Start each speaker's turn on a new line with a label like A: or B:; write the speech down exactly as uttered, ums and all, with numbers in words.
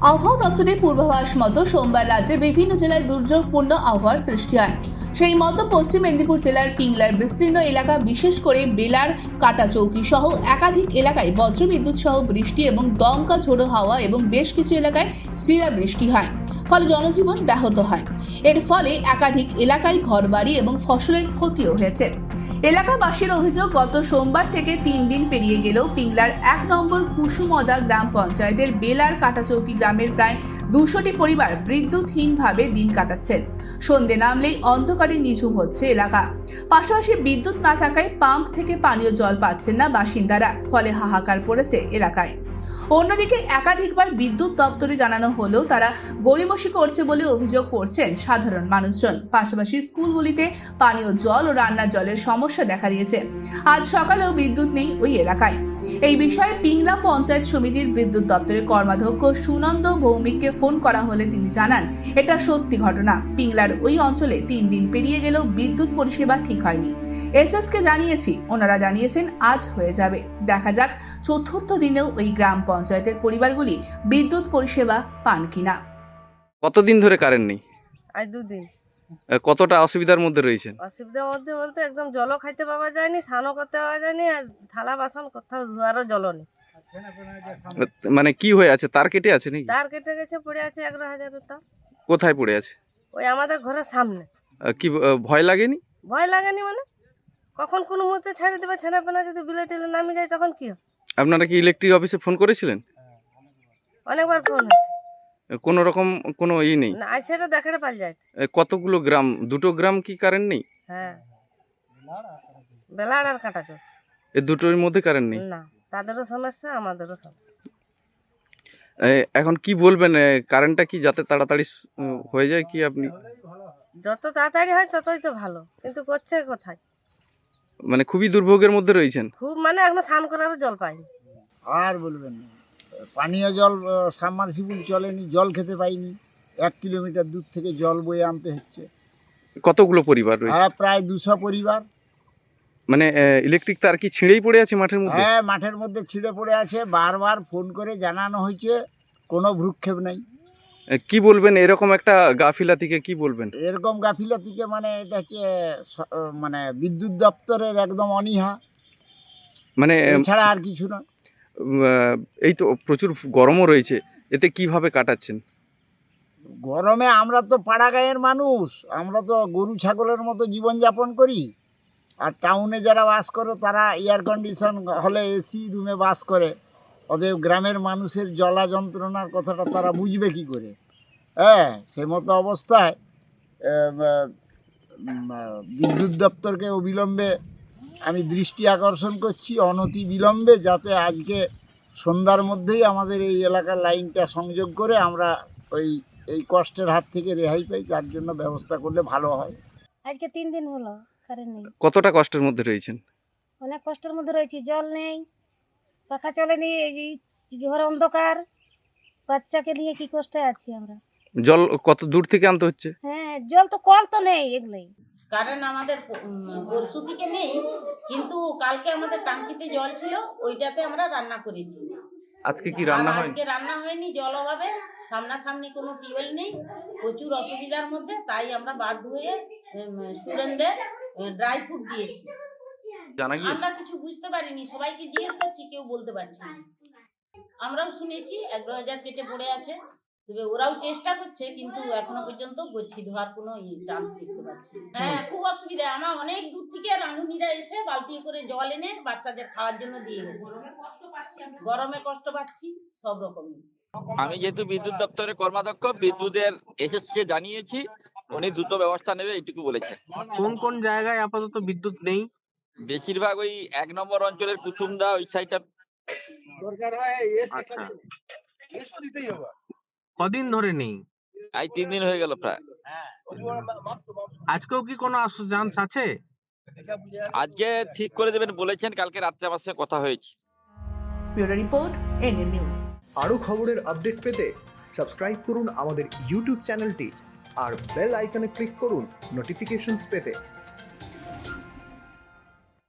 A: আবহাওয়া দপ্তরের পূর্বাভাস মতো সোমবার রাজ্যের বিভিন্ন জেলায় দুর্যোগপূর্ণ আবহাওয়ার সৃষ্টি হয়। সেই মতো পশ্চিম মেদিনীপুর জেলার পিংলার বিস্তীর্ণ এলাকা, বিশেষ করে বেলার কাটাচৌকি সহ একাধিক এলাকায় বজ্রবিদ্যুৎ সহ বৃষ্টি এবং দমকা ঝোড়ো হাওয়া এবং বেশ কিছু এলাকায় শিলা বৃষ্টি হয়, ফলে জনজীবন ব্যাহত হয়। এর ফলে একাধিক এলাকায় ঘরবাড়ি এবং ফসলের ক্ষতিও হয়েছে। এলাকাবাসীর অভিযোগ, গত সোমবার থেকে তিন দিন পেরিয়ে গেলেও পিংলার এক নম্বর কুসুমদা গ্রাম পঞ্চায়েতের বেলার কাটাচৌকি গ্রামের প্রায় দুশোটি পরিবার বিদ্যুৎহীনভাবে দিন কাটাচ্ছেন। সন্ধে নামলেই অন্ধকারে নিঝুম হচ্ছে এলাকা। পাশাপাশি বিদ্যুৎ না থাকায় পাম্প থেকে পানীয় জল পাচ্ছেন না বাসিন্দারা, ফলে হাহাকার পড়েছে এলাকায়। অন্যদিকে একাধিকবার বিদ্যুৎ দপ্তরে জানানো হলেও তারা গড়িমসি করছে বলে অভিযোগ করছেন সাধারণ মানুষজন। পাশাপাশি স্কুলগুলিতে পানীয় জল ও রান্নার জলের সমস্যা দেখা দিয়েছে। আজ সকালেও বিদ্যুৎ নেই ওই এলাকায়। এই বিষয়ে পিংলা পঞ্চায়েত সমিতির বিদ্যুৎ দপ্তরের কর্মাধ্যক্ষ সুনন্দ ভৌমিককে ফোন করা হলে তিনি জানান, এটা সত্যি ঘটনা। পিংলার ওই অঞ্চলে তিন দিন পেরিয়ে গেলেও বিদ্যুৎ পরিষেবা ঠিক হয়নি। এসএসকে জানিয়েছি, ওনারা জানিয়েছেন আজ হয়ে যাবে। দেখা যাক চতুর্থ দিনেও ওই গ্রাম পঞ্চায়েতের পরিবারগুলি বিদ্যুৎ পরিষেবা পান কিনা।
B: কতদিন ধরে কারেন্ট নেই?
C: আজ দুদিন।
B: কতটা অসুবিধার মধ্যে রয়েছেন?
C: অসুবিধার মধ্যে বলতে একদম জলও খাইতে পাওয়া যায়নি, স্নানও করতে পাওয়া যায়নি, আর থালা বাসন কোথাও ধোয়ারও জলও নেই।
B: মানে কি হয়ে আছে? তার কেটে আছে নাকি?
C: তার কেটে গেছে, পড়ে আছে এগারো হাজারের তার।
B: কোথায় পড়ে আছে?
C: ওই আমাদের ঘরের সামনে।
B: আহ, কি আহ, ভয় লাগেনি?
C: ভয় লাগেনি মানে কখন কোনো মুহূর্তে ছেড়ে দেবে, ছেলে পেনা যদি বিলে টিলে নামে যায় তখন কি হবে?
B: আপনারা কি ইলেকট্রিক অফিসে ফোন করেছিলেন?
C: অনেকবার ফোন হচ্ছে,
B: কোনো রকম কোনো ই নেই?
C: না আজ সেটা দেখাতে পাল যায়।
B: এ, কতগুলো গ্রাম, দুটো গ্রাম কি কারেন্ট নেই?
C: হ্যাঁ, বেলার আর কাটাচো,
B: এ দুটোর মধ্যে কারেন্ট নেই?
C: না তাদেরও সমস্যা, আমাদেরও সমস্যা।
B: এ, এখন কি বলবেন? এ, কারেন্টটা কি যাতে তাড়াতাড়ি উম, হয়ে যায় কি আপনি?
C: যত তাড়াতাড়ি হয় ততই তো ভালো, কিন্তু করছে কোথায়?
B: মানে খুবই দুর্ভোগের মধ্যে রয়েছেন।
C: খুব, মানে এখনো স্নান করারও জল পাইনি।
D: আর বলবেন না, পানীয় জল সাবমার্সিবল চলেনি, জল খেতে পাইনি, এক কিলোমিটার দূর থেকে জল বয়ে আনতে হচ্ছে।
B: কতগুলো পরিবার রয়েছে?
D: হ্যাঁ, প্রায় দুশো পরিবার।
B: মানে ইলেকট্রিক তার কি ছিঁড়েই পড়ে আছে মাঠের মধ্যে?
D: হ্যাঁ, মাঠের মধ্যে ছিঁড়ে পড়ে আছে, বারবার ফোন করে জানানো হয়েছে, কোনো ভ্রুক্ষেপ নেই।
B: এ, কি বলবেন এরকম একটা গাফিলাতিকে? কি বলবেন
D: এরকম গাফিলতিকে? মানে এটা হচ্ছে স- মানে বিদ্যুৎ দপ্তরের একদম অনীহা,
B: মানে
D: এছাড়া আর কিছু না।
B: আহ, এই তো প্রচুর গরমও রয়েছে, এতে কিভাবে কাটাচ্ছেন?
D: গরমে আমরা তো পাড়া গাঁয়ের মানুষ, আমরা তো গরু ছাগলের মতো জীবনযাপন করি। আর টাউনে যারা বাস করে তারা এয়ার কন্ডিশন হলে এসি রুমে বাস করে, অতএব গ্রামের মানুষের জ্বালা যন্ত্রণার কথাটা তারা বুঝবে কি করে? হ্যাঁ, সে মতো অবস্থায় আহ, উম, আহ, বিদ্যুৎ দপ্তরকে অবিলম্বে আমি দৃষ্টি আকর্ষণ করছি, অনতি বিলম্বে, যাতে আজকে সন্ধ্যার মধ্যেই আমাদের এই এলাকার লাইনটা সংযোগ করে আমরা ওই এই কষ্টের হাত থেকে রেহাই পাই, তার জন্য ব্যবস্থা করলে ভালো হয়।
E: আজকে তিন দিন হলো কারেন্ট নেই,
B: কতটা কষ্টের মধ্যে রয়েছেন?
E: অনেক কষ্টের মধ্যে রয়েছি। জল নেই, পাখা চলেনি, এই যে ঘর অন্ধকার, বাচ্চাকে নিয়ে কি কষ্টে আছি আমরা।
B: জল কত দূর থেকে আনতে হচ্ছে?
E: হ্যাঁ, জল তো কল তো নেই, এগুলোই।
F: কারেন্ট আমাদের পরশু থেকে নেই, কিন্তু কালকে আমাদের টাঙ্কিতে জল ছিল, ওইটাতে আমরা রান্না করেছি।
B: আজকে কি রান্না
F: আর
B: হয়?
F: আজকে রান্না হয়নি, জল অভাবে, সামনাসামনি কোনো টিউবওয়েল নেই, প্রচুর অসুবিধার মধ্যে, তাই আমরা বাধ্য হয়ে স্টুডেন্টদের ড্রাই ফ্রুট দিয়েছি।
B: জানা গিয়েছে?
F: আমরা কিছু বুঝতে পারিনি, সবাইকে জিজ্ঞেস করছি, কেউ বলতে পারছি না। আমরাও শুনেছি এগারো হাজার কেটে পড়ে আছে, তবে ওরাও চেষ্টা করছে, কিন্তু এখনো পর্যন্ত গচ্ছি ধোয়ার কোনো চান্স দেখতে পাচ্ছি না। হ্যাঁ, খুব অসুবিধা। আমার অনেক দূর থেকে রাঁধুনিরা এসে বালতি করে জল এনে বাচ্চাদের খাওয়ার জন্য দিয়ে গেছে। গরমে কষ্ট পাচ্ছি সব রকমই।
G: আমি যেহেতু বিদ্যুৎ দপ্তরের কর্মাধ্যক্ষ, বিদ্যুতের এসএসকে জানিয়েছি, উনি দ্রুত ব্যবস্থা নেবে এইটুকু বলেছেন।
H: কোন কোন জায়গায় আপাতত বিদ্যুৎ নেই?
G: বেশিরভাগ ওই এক নম্বর অঞ্চলের কুসুমদা ওই সাইডটা।
H: আচ্ছা, কদিন ধরে নেই?
G: আজ তিন দিন হয়ে গেল প্রায়।
H: আজকেও কি কোনো চান্স আছে?
G: আজকে ঠিক করে দেবেন বলেছেন, কালকে রাত্রে আমার সঙ্গে কথা হয়েছে।
A: Bureau report, NN news.
I: আরও খবরের আপডেট পেতে সাবস্ক্রাইব করুন আমাদের ইউটিউব চ্যানেলটি আর বেল আইকনে ক্লিক করুন নোটিফিকেশনস পেতে।